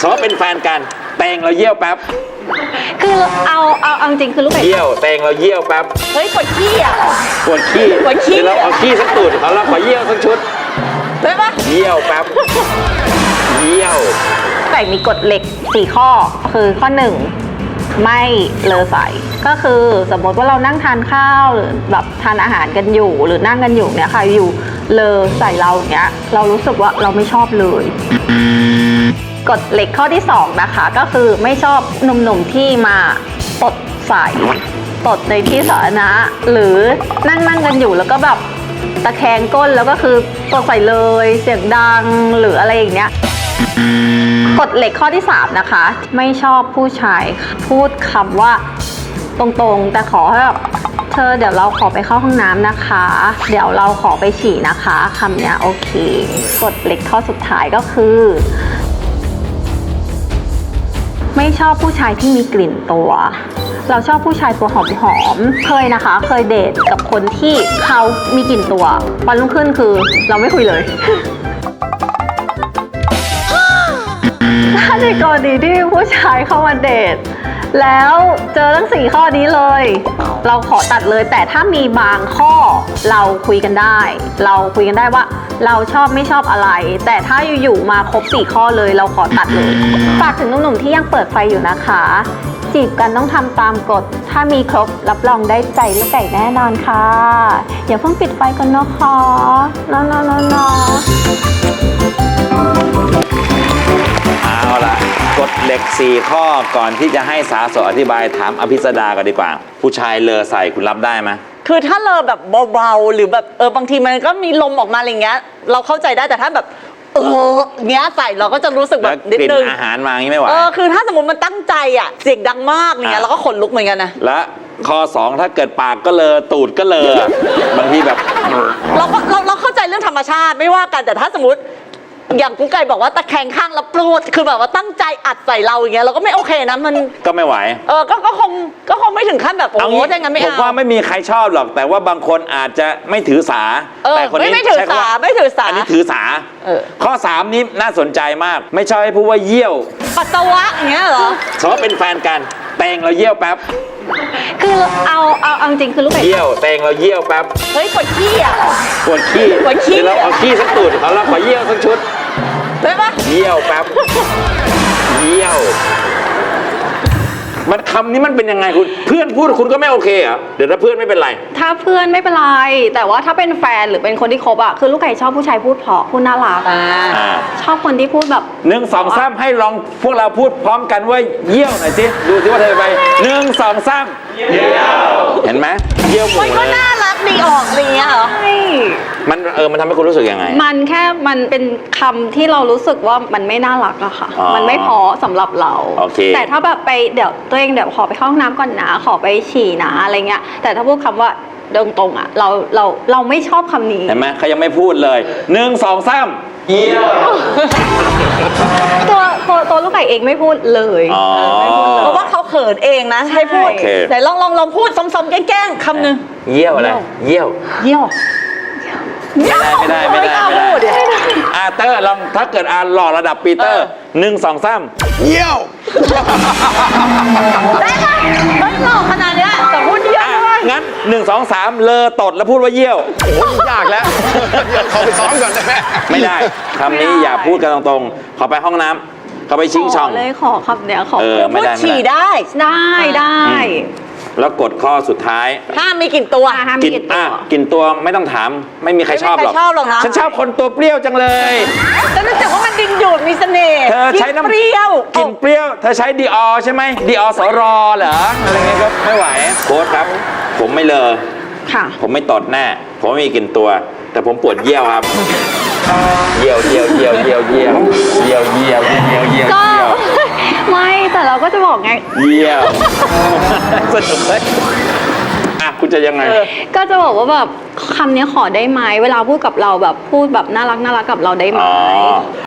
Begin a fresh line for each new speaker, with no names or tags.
เขาเป็นแฟนกันเตงเราเยี่ยวแป๊บ
คือเอาจริงคือลูกไก่
เยี่ยวเตงเราเยี่ยวแป๊บ
เฮ้ยปวดขี้อ่ะ
ปวดขี้
ปวดขี้
เราเอาขี้สักตูดเขาเราขอเยี่ยวสักชุด
ได้ปะ
เยี่ยวแป๊บเยี่ยว
ไก่มีกฎเหล็ก4ข้อคือข้อ1ไม่เลอใส่ก็คือสมมติว่าเรานั่งทานข้าวหรือแบบทานอาหารกันอยู่หรือนั่งกันอยู่เนี่ยค่ะอยู่เลอใส่เราอย่างเงี้ยเรารู้สึกว่าเราไม่ชอบเลยกฎเหล็กข้อที่2นะคะก็คือไม่ชอบหนุ่มๆที่มาตดใส่ตดในที่สาธารณะหรือนั่งกันอยู่แล้วก็แบบตะแคงก้นแล้วก็คือตดใส่เลยเสียงดังหรืออะไรอย่างเงี้ยกฎเหล็กข้อที่3นะคะไม่ชอบผู้ชายพูดคำว่าตรงๆแต่ขอให้แบบเธอเดี๋ยวเราขอไปเข้าห้องน้ำนะคะเดี๋ยวเราขอไปฉี่นะคะคำเนี้ยโอเคกฎเหล็กข้อสุดท้ายก็คือไม่ชอบผู้ชายที่มีกลิ่นตัวเราชอบผู้ชายตัวหอมๆเคยนะคะเคยเดทกับคนที่เขามีกลิ่นตัววันรุ่งขึ้นคือเราไม่คุยเลย ถ้าในกรณีที่ผู้ชายเข้ามาเดทแล้วเจอทั้ง4ข้อนี้เลยเราขอตัดเลยแต่ถ้ามีบางข้อเราคุยกันได้ว่าเราชอบไม่ชอบอะไรแต่ถ้าอยู่ๆมาครบ4ข้อเลยเราขอตัดเลยฝากถึงหนุ่มๆที่ยังเปิดไฟอยู่นะคะจีบกันต้องทำตามกฎถ้ามีครบรับรองได้ใจลูกไก่แน่นอนค่ะอย่าเพิ่งปิดไฟกันนะคะน้อง
เอาล่ะกฎเหล็ก4ข้อก่อนที่จะให้สาสอธิบายถามอภิสดากันดีกว่าผู้ชายเลอใส่คุณรับได้ไหม
คือถ้าเลอแบบเบาๆหรือแบบบางทีมันก็มีลมออกมาอะไรเงี้ยเราเข้าใจได้แต่ถ้าแบบเงี้ยใส่เราก็จะรู้สึกแบบนิดนึง
อาหารมาอย่างนี้ไม่ไหว
คือถ้าสมมติมันตั้งใจอ่ะเสียงดังมากเงี้ยเราก็ขนลุกเหมือนกันนะ
และข้อ2ถ้าเกิดปากก็เลอตูดก็เลอบางทีแบบ
เราเข้าใจเรื่องธรรมชาติไม่ว่ากันแต่ถ้าสมมติอย่างกุ๊กไก่บอกว่าตะแคงข้างแล้วโปรดคือแบบว่าตั้งใจอัดใส่เราอย่างเงี้ยเราก็ไม่โอเคนะมัน
ก็ไม่ไหว
ก็คงไม่ถึงขั้นแบบโอ้โหอย่างนั้นไม่เอา
ผมว่าไม่มีใครชอบหรอกแต่ว่าบางคนอาจจะไม่ถือสาแต่คนนี้
ไม่ถือสา
อันนี้ถือสาข้อ3นี้น่าสนใจมากไม่ชอบให้พูดว่าเยี่ยว
ปัสสาวะอย่างเงี้ยเหรอ
เขาเป็นแฟนกันเตงเราเยี่ยวแป๊บ
คือเอาจริงคือลูกไก่
เยี่ยวเตงเราเยี่ยวแป๊บ
เฮ้ยปวดขี้อ่ะ
ปวดขี้เราเอาขี้สักตูดเขาเราขอเยี่ยวสักชุด
ได้ปะ
เยี่ยวแป๊บเยี่ยวมันคำนี้มันเป็นยังไงคุณเพื่อนพูดคุณก็ไม่โอเคเหรอเดี๋ยวถ้าเพื่อนไม่เป็นไร
ถ้าเพื่อนไม่เป็นไรแต่ว่าถ้าเป็นแฟนหรือเป็นคนที่คบอ่ะคือลูกไก่ชอบผู้ชายพูดเพราะพูดน่ารักชอบคนที่พูดแบบ
1 2 3ให้ลองพวกเราพูดพร้อมกันว่าเยี่ยวหน่อยสิดูสิว่าเธอไป1 2 3เยี่ยวเห็นไหมเยี่ยวหมู
มันก็น่ารักดีออกอะไรเงี้ยเหรอ
มันทำให้คุณรู้สึกยังไง
มันเป็นคำที่เรารู้สึกว่ามันไม่น่ารักอะค่ะมันไม่พอสำหรับเราแต่ถ้าแบบไปเดี๋ยวตัวเองเดี๋ยวขอไปเข้าห้องน้ำก่อนนะขอไปฉี่นะอะไรเงี้ยแต่ถ้าพูดคำว่าตรงๆอะเราไม่ชอบคำนี้
เห็นไหมเขายังไม่พูดเลย1 2 3เยี่ยว
ตัวลูกไก่เองไม่พูดเลย
เพราะว่าเขาเขินเองนะให้พูดแต่ลองพูดซ้ำๆแกล้งคำนึง
เยี่ยวอะไรเยี่ยวไม่ได้เตอร์ลองถ้าเกิดหล่อระดับปีเตอร์1 2 3เยี่ยว
ได้ไหมไม่หล่อขนาดนี้แต่พูดเยี่ยวด้วย
งั้น1 2 3เลอตดแล้วพูดว่าเยี่ยวโอ้ยากแล้ว
ขอไปซ้อมก่อนได้ไหม
ไม่ได้คำนี้อย่าพูดกันตรงๆขอไปห้องน้ำเขาไปชิงช่อง
เลยขอคำเนี้ยขอ
พูดฉี่ได้
แล้วกดข้อสุดท้าย
ห้ามมีกลิ่นตัว
กลิ่นตัวไม่ต้องถามไม่มีใครชอบหรอก
นะ
ฉันชอบคนตัวเปรี้ยวจังเลย
แต่รู้สึกว่ามันดึงดูดมีเสน่ห์
เธอใช้น้ำเปรี้ยวกลิ่นเปรี้ยวเธอใช้ดีออใช่ไหมดีออสรอเหรออะไรเงี้ยก็ไม่ไหวโค้ชครับผมไม่เลอผมไม่ตดแน่ผมไม่มีกลิ่นตัวแต่ผมปวดเยี่ยวครับเยี่ยว
ก็ไม่แต่เราก็จะบอกไง
เยี่ยวสนุกเลยคุณจะยังไง
ก็จะบอกว่าแบบคำนี้ขอได้ไหมเวลาพูดกับเราแบบพูดแบบน่ารักกับเราได้ไหม